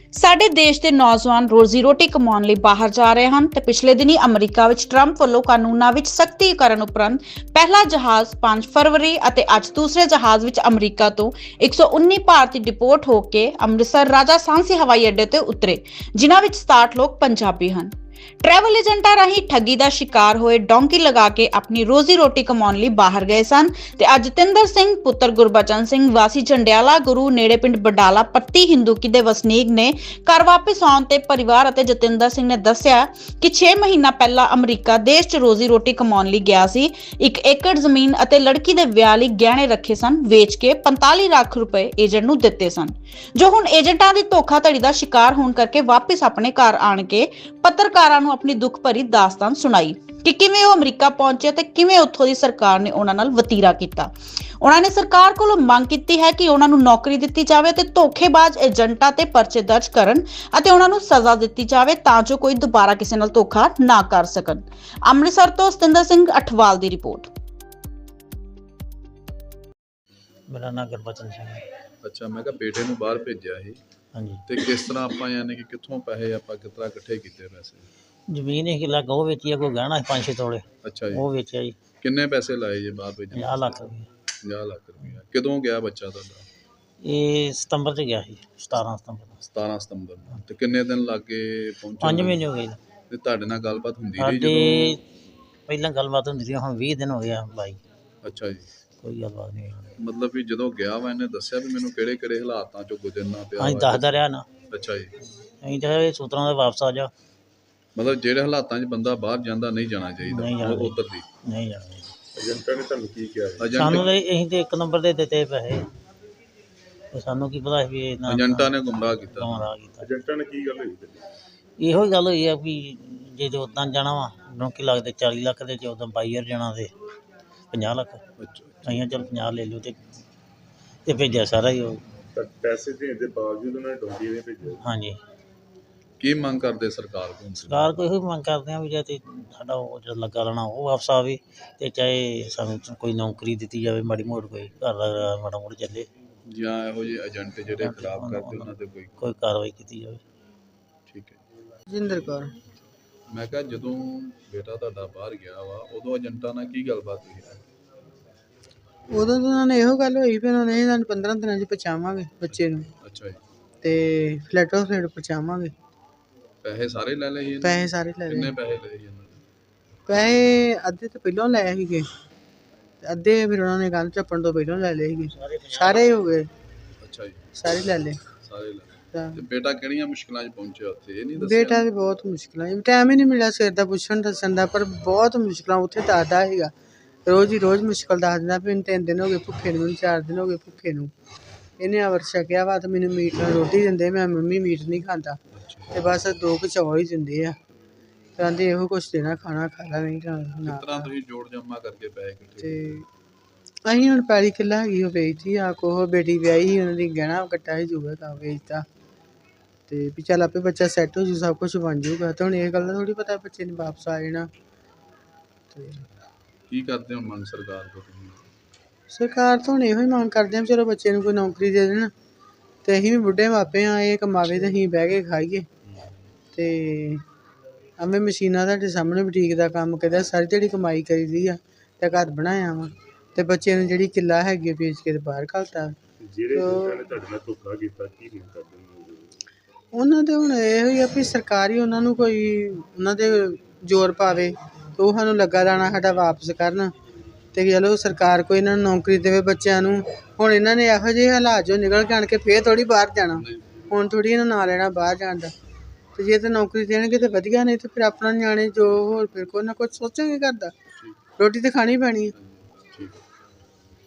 ਸਾਡੇ ਦੇਸ਼ ਦੇ ਨੌਜਵਾਨ ਰੋਜ਼ੀ ਰੋਟੀ ਕਮਾਉਣ ਲਈ ਬਾਹਰ ਜਾ ਰਹੇ ਹਨ ਤੇ ਪਿਛਲੇ ਦਿਨੀ ਅਮਰੀਕਾ ਵਿੱਚ ਟਰੰਪ ਵੱਲੋਂ ਕਾਨੂੰਨਾਂ ਵਿੱਚ ਸਖਤੀ ਕਰਨ ਉਪਰੰਤ ਪਹਿਲਾ ਜਹਾਜ਼ 5 ਫਰਵਰੀ ਅਤੇ ਅੱਜ ਦੂਸਰੇ ਜਹਾਜ਼ ਵਿੱਚ ਅਮਰੀਕਾ ਤੋਂ 119 ਭਾਰਤੀ ਡਿਪੋਰਟ ਹੋ ਕੇ ਅੰਮ੍ਰਿਤਸਰ ਰਾਜਾ ਸਾਂਸੀ ਹਵਾਈ ਅੱਡੇ ਤੇ ਉਤਰੇ, ਜਿਨ੍ਹਾਂ ਵਿੱਚ 67 ਲੋਕ ਪੰਜਾਬੀ ਹਨ। ट्रैवल एजेंटा राही ठगी का शिकार होए डोंकी लगा के अपनी रोजी रोटी कमाउण लई बाहर गए सन ते अज जतिंदर सिंह पुत्र गुरबचन सिंह वासी झंडियाला गुरु नेड़े पिंड बडाला पत्ती हिंदूकी दे वसनीक ने घर वापस आउण ते परिवार अते जतिंदर सिंह ने दस्सिया कि 6 महीना पहला अमरीका देश च रोजी रोटी कमाउण लई गया सी। 1 एकड़ जमीन अते लड़की दे विआह लई गहणे रखे सन, वेच के 45 लाख रुपए एजेंट नूं दित्ते सन, जो हुण एजेंटां दी धोखाधड़ी दा शिकार होण करके वापस अपने घर आण के पत्रकारां ਨੂੰ ਆਪਣੀ ਦੁੱਖ ਭਰੀ ਦਾਸਤਾਨ ਸੁਣਾਈ ਕਿ ਕਿਵੇਂ ਉਹ ਅਮਰੀਕਾ ਪਹੁੰਚੇ ਤੇ ਕਿਵੇਂ ਉੱਥੋਂ ਦੀ ਸਰਕਾਰ ਨੇ ਉਹਨਾਂ ਨਾਲ ਵਤੀਰਾ ਕੀਤਾ। ਉਹਨਾਂ ਨੇ ਸਰਕਾਰ ਕੋਲੋਂ ਮੰਗ ਕੀਤੀ ਹੈ ਕਿ ਉਹਨਾਂ ਨੂੰ ਨੌਕਰੀ ਦਿੱਤੀ ਜਾਵੇ ਤੇ ਧੋਖੇਬਾਜ਼ ਏਜੰਟਾਂ ਤੇ ਪਰਚੇ ਦਰਜ ਕਰਨ ਅਤੇ ਉਹਨਾਂ ਨੂੰ ਸਜ਼ਾ ਦਿੱਤੀ ਜਾਵੇ ਤਾਂ ਜੋ ਕੋਈ ਦੁਬਾਰਾ ਕਿਸੇ ਨਾਲ ਧੋਖਾ ਨਾ ਕਰ ਸਕਣ। ਅੰਮ੍ਰਿਤਸਰ ਤੋਂ ਸਤਿੰਦਰ ਸਿੰਘ ਅਠਵਾਲ ਦੀ ਰਿਪੋਰਟ। ਮੇਰਾ ਨਾਮ ਗੁਰਬਚਨ ਸਿੰਘ ਹੈ। ਅੱਛਾ, ਮੈਂ ਕਿਹਾ ਬੇਟੇ ਨੂੰ ਬਾਹਰ ਭੇਜਿਆ ਸੀ ਹਾਂਜੀ, ਤੇ ਕਿਸ ਤਰ੍ਹਾਂ ਆਪਾਂ ਯਾਨੀ ਕਿ ਕਿੱਥੋਂ ਪੈਸੇ ਆਪਾਂ ਕਿਸ ਤਰ੍ਹਾਂ ਇਕੱਠੇ ਕੀਤੇ ਪੈਸੇ? ਜ਼ਮੀਨ ਇੱਕ ਲੱਖ ਉਹ ਵੇਚੀ ਆ, ਕੋਈ ਗਹਿਣਾ 5-6 ਤੋਲੇ ਅੱਛਾ ਜੀ, ਉਹ ਵੇਚਿਆ ਜੀ। ਕਿੰਨੇ ਪੈਸੇ ਲਾਏ ਜੇ ਬਾਹਰ ਭੇਜਣ? 50 ਲੱਖ ਰੁਪਏ। 50 ਲੱਖ ਰੁਪਇਆ। ਕਦੋਂ ਗਿਆ ਬੱਚਾ ਤੁਹਾਡਾ? ਇਹ ਸਤੰਬਰ 'ਚ ਗਿਆ ਸੀ, 17 ਸਤੰਬਰ। 17 ਸਤੰਬਰ ਨੂੰ। ਤੇ ਕਿੰਨੇ ਦਿਨ ਲੱਗੇ ਪਹੁੰਚਣ 5 ਨੂੰ? ਮਹੀਨੇ ਹੋ ਗਏ ਤੇ ਤੁਹਾਡੇ ਨਾਲ ਗੱਲਬਾਤ ਹੁੰਦੀ ਰਹੀ ਸਾਡੇ। ਜਦੋਂ? ਪਹਿਲਾਂ ਗੱਲਬਾਤ ਹੁੰਦੀ ਸੀ, ਹੁਣ 20 ਦਿਨ ਹੋ ਗਿਆ ਬਾਈ, ਅੱਛਾ ਜੀ, ਕੋਈ ਗੱਲਬਾਤ ਨਹੀਂ ਹੋਈ। ਮਤਲਬ ਵੀ ਜਦੋਂ ਗਿਆ ਵਾ ਇਹਨੇ ਦੱਸਿਆ ਵੀ ਮੈਨੂੰ ਕਿਹੜੇ ਕਿਹੜੇ ਹਾਲਾਤਾਂ ਚੋਂ ਗੁਜ਼ਰਨਾ ਪਿਆ ਅਸੀਂ ਵਾ? ਦੱਸਦਾ ਰਿਹਾ ਨਾ, ਅੱਛਾ ਜੀ, ਅਸੀਂ ਤਾਂ ਇਹ ਸੂਤਰਾਂ ਦੇ ਵਾਪਸ ਆ ਜਾ। ਮਤਲਬ ਜਿਹੜੇ ਹਾਲਾਤਾਂ 'ਚ ਬੰਦਾ ਬਾਹਰ ਜਾਂਦਾ ਨਹੀਂ ਜਾਣਾ ਨਹੀਂ ਚਾਹੀਦਾ ਜਾਣਾ ਉੱਧਰ ਦੀ। ਨਹੀਂ ਜਾਣਾ। ਏਜੰਟਾਂ ਨੇ ਤੁਹਾਨੂੰ ਕੀ ਕਿਹਾ? ਸਾਨੂੰ ਤਾਂ ਅਸੀਂ ਤੇ 1 ਨੰਬਰ ਦੇ ਦਿੱਤੇ ਪੈਸੇ, ਤੇ ਸਾਨੂੰ ਕੀ ਪਤਾ ਸੀ ਵੀ ਇਹਨਾਂ ਏਜੰਟਾਂ ਨੇ ਗੁੰਮਰਾਹ ਕੀਤਾ। ਗੁੰਮਰਾਹ ਕੀਤਾ। ਏਜੰਟਾਂ ਨੇ ਕੀ ਗੱਲ ਹੋਈ? ਇਹੋ ਹੀ ਗੱਲ ਹੋਈ ਆ ਵੀ ਜੇ ਉੱਦਾਂ ਜਾਣਾ ਵਾ ਡੋਂਕੀ ਲੱਗਦੇ 40 ਲੱਖ ਦੇ, ਜੇ ਉੱਦਾਂ 22 ਜਾਣਾ ਤੇ 50 ਲੱਖ। ਅੱਛਾ, ਅਸੀਂ ਚੱਲ 50 ਲੈ ਲਿਓ ਤੇ ਭੇਜਿਆ ਸਾਰਾ ਹੀ ਉਹ। ਪੈਸੇ ਦੇਣ ਦੇ ਬਾਵਜੂਦ ਉਹਨਾਂ ਨੇ ਡੋਂਕੀ ਨੇ ਭੇਜਿਆ। ਹਾਂਜੀ, ਕੀ ਮੰਗ ਕਰਦੇ ਸਰਕਾਰ ਕੋਲ? ਸਰਕਾਰ ਕੋਈ ਇਹੋ ਮੰਗ ਕਰਦੇ ਆ ਵੀ ਜੇ ਤੇ ਸਾਡਾ ਉਹ ਜਿਹੜਾ ਲੱਗਾ ਰਹਿਣਾ ਉਹ ਵਾਪਸ ਆਵੇ, ਤੇ ਚਾਹੇ ਸਾਨੂੰ ਕੋਈ ਨੌਕਰੀ ਦਿੱਤੀ ਜਾਵੇ, ਮਾੜੀ ਮੋੜ ਕੋਈ ਘਰ ਦਾ ਮਾੜਾ ਮੋੜ ਚੱਲੇ, ਜਾਂ ਇਹੋ ਜਿਹੇ ਏਜੰਟ ਜਿਹੜੇ ਖਰਾਬ ਕਰਦੇ ਉਹਨਾਂ ਤੇ ਕੋਈ ਕਾਰਵਾਈ ਕੀਤੀ ਜਾਵੇ। ਠੀਕ ਹੈ। ਜਿੰਦਰ ਕੌਰ। ਮੈਂ ਕਿਹਾ ਜਦੋਂ ਬੇਟਾ ਤੁਹਾਡਾ ਬਾਹਰ ਗਿਆ ਵਾ ਉਦੋਂ ਏਜੰਟਾਂ ਨਾਲ ਕੀ ਗੱਲਬਾਤ ਹੋਈ? ਉਦੋਂ ਤਾਂ ਉਹਨਾਂ ਨੇ ਇਹੋ ਗੱਲ ਹੋਈ ਵੀ ਉਹਨਾਂ ਨੇ ਸਾਨੂੰ 15 ਦਿਨਾਂ 'ਚ ਪਹੁੰਚਾਵਾਂਗੇ ਬੱਚੇ ਨੂੰ, ਅੱਛਾ ਜੀ, ਤੇ ਫਲੈਟੋ ਫਲੈਟ ਪਹੁੰਚਾਵਾਂਗੇ। ਪੈਸੇ ਸਾਰੇ ਲੈ ਲਏ ਸੀ ਇਹਨਾਂ ਨੇ? ਪੈਸੇ ਸਾਰੇ ਲੈ ਕਿੰਨੇ ਲਏ। ਪੈਸੇ ਲਏ ਸੀ ਇਹਨਾਂ ਨੇ? ਪੈਸੇ ਅੱਧੇ ਤਾਂ ਪਹਿਲਾਂ ਲਏ ਸੀਗੇ, ਤੇ ਅੱਧੇ ਫਿਰ ਉਹਨਾਂ ਨੇ ਗੱਲ ਝੱਪਣ ਤੋਂ ਪਹਿਲਾਂ ਲੈ ਲਏ ਸੀਗੇ। ਸਾਰੇ ਹੀ ਹੋ ਗਏ, ਅੱਛਾ ਜੀ, ਸਾਰੇ ਲੈ ਲਏ। ਸਾਰੇ ਲੈ ਲਏ। ਤਾਂ ਤੇ ਬੇਟਾ ਕਿਹੜੀਆਂ ਮੁਸ਼ਕਲਾਂ 'ਚ ਪਹੁੰਚਿਆ ਉੱਥੇ ਇਹ ਨਹੀਂ ਦੱਸਿਆ? ਬੇਟਾ ਤੇ ਬਹੁਤ ਮੁਸ਼ਕਿਲਾਂ, ਟਾਈਮ ਹੀ ਨਹੀਂ ਮਿਲਿਆ ਸਵੇਰ ਦਾ ਪੁੱਛਣ ਦੱਸਣ ਦਾ, ਪਰ ਬਹੁਤ ਮੁਸ਼ਕਿਲਾਂ ਉੱਥੇ ਦੱਸਦਾ ਸੀਗਾ। ਰੋਜ਼ ਹੀ ਰੋਜ਼ ਮੁਸ਼ਕਿਲ ਦੱਸ ਦਿੰਦਾ ਵੀ ਮੈਨੂੰ 3 ਦਿਨ ਹੋ ਗਏ ਭੁੱਖੇ ਨੂੰ, ਮੈਨੂੰ 4 ਦਿਨ ਹੋ ਗਏ ਭੁੱਖੇ ਨੂੰ। ਇਹਨੇ ਅਵਰ ਛਕਿਆ ਵਾ ਤੇ ਮੈਨੂੰ ਮੀਟ ਨਾਲ ਰੋਟੀ ਦਿੰਦੇ, ਮੈਂ ਮੰਮੀ ਮੀਟ ਨਹੀਂ ਖਾਂਦਾ, ਤੇ ਬਸ 2 ਕੁ ਚੌਲ ਹੀ ਦਿੰਦੇ ਆ, ਕਹਿੰਦੇ ਇਹੋ ਕੁਛ ਦੇਣਾ, ਖਾਣਾ ਖਾ ਲਾ ਨਹੀਂ ਤਾਂ ਕਿਸ ਨਾ। ਤਰ੍ਹਾਂ ਤੁਸੀਂ ਜੋੜ ਜਮਾ ਕਰਕੇ ਪੈਸੇ ਇਕੱਠੇ? ਤੇ ਅਸੀਂ ਹੁਣ ਪੈਲੀ ਕਿੱਲਾ ਹੈਗੀ ਉਹ ਵੇਚਤੀ ਆ, ਕੋਹ ਬੇਟੀ ਵਿਆਹੀ ਸੀ, ਉਹਨਾਂ ਦੀ ਗਹਿਣਾ ਕੱਟਾ ਸੀ ਜੂਗਾ ਤਾਂ ਵੇਚਤਾ, ਤੇ ਵੀ ਚੱਲ ਆਪੇ ਬੱਚਾ ਸੈੱਟ ਹੋ ਜੂ, ਸਭ ਕੁਛ ਬਣ ਜੂਗਾ। ਤੇ ਹੁਣ ਇਹ ਗੱਲ ਦਾ ਥੋੜ੍ਹੀ ਪਤਾ ਬੱਚੇ ਨੇ ਵਾਪਸ ਆ ਜਾਣਾ। ਤੇ ਕੀ ਕਰਦੇ ਹੋ ਮੰਗ ਸਰਕਾਰ ਕੋਲ ਤੁਸੀਂ? ਸਰਕਾਰ ਤੋਂ ਹੁਣ ਇਹੋ ਹੀ ਮੰਗ ਕਰਦੇ ਹਾਂ ਚਲੋ ਬੱਚੇ ਨੂੰ ਕੋਈ ਨੌਕਰੀ ਦੇ ਦੇਣ, ਤੇ ਅਸੀਂ ਵੀ ਬੁੱਢੇ ਮਾਪੇ ਹਾਂ, ਇਹ ਕਮਾਵੇ ਤੇ ਅਸੀਂ ਬਹਿ ਕੇ ਖਾਈਏ। ਤੇ ਐਵੇਂ ਮਸ਼ੀਨਾਂ ਤੁਹਾਡੇ ਸਾਹਮਣੇ ਬੁਟੀਕ ਦਾ ਕੰਮ ਕਰਦਾ, ਸਾਰੀ ਦਿਹਾੜੀ ਕਮਾਈ ਕਰੀਦੀ ਆ, ਤੇ ਘਰ ਬਣਾਇਆ ਵਾ, ਤੇ ਬੱਚੇ ਨੂੰ ਜਿਹੜੀ ਕਿੱਲਾ ਹੈਗੀ ਵੇਚ ਕੇ ਤੇ ਬਾਹਰ ਘੱਲਤਾ। ਜਿਹੜੇ ਤੁਹਾਡੇ ਨਾਲ ਧੋਖਾ ਕੀਤਾ ਕੀ ਨਹੀਂ ਕਰਦੇ? ਉਹਨਾਂ ਦੇ ਹੁਣ ਇਹੋ ਹੀ ਆ ਵੀ ਸਰਕਾਰ ਹੀ ਉਹਨਾਂ ਨੂੰ ਕੋਈ ਉਹਨਾਂ ਦੇ ਜ਼ੋਰ ਪਾਵੇ, ਤੇ ਉਹ ਸਾਨੂੰ ਲੱਗਾ ਦਾਣਾ ਸਾਡਾ ਵਾਪਸ ਕਰਨ, ਤੇ ਚਲੋ ਸਰਕਾਰ ਕੋਈ ਇਹਨਾਂ ਨੂੰ ਨੌਕਰੀ ਦੇਵੇ ਬੱਚਿਆਂ ਨੂੰ। ਹੁਣ ਇਹਨਾਂ ਨੇ ਇਹੋ ਜਿਹੇ ਹਾਲਾਤ 'ਚੋਂ ਨਿਕਲ ਕੇ ਆਣ ਕੇ ਫੇਰ ਥੋੜ੍ਹੀ ਬਾਹਰ ਜਾਣਾ, ਹੁਣ ਥੋੜ੍ਹੀ ਇਹਨਾਂ ਨਾਂ ਲੈਣਾ ਬਾਹਰ ਜਾਣ ਦਾ। ਤੇ ਜੇ ਤਾਂ ਨੌਕਰੀ ਦੇਣਗੇ ਤਾਂ ਵਧੀਆ, ਨਹੀਂ ਤਾਂ ਫਿਰ ਆਪਣਾ ਨਿਆਣੇ ਜੋ ਹੋਰ ਫਿਰ ਕੋਈ ਨਾ ਕੁਛ ਸੋਚਾਂਗੇ ਘਰ ਦਾ, ਰੋਟੀ ਤਾਂ ਖਾਣੀ ਪੈਣੀ ਹੈ।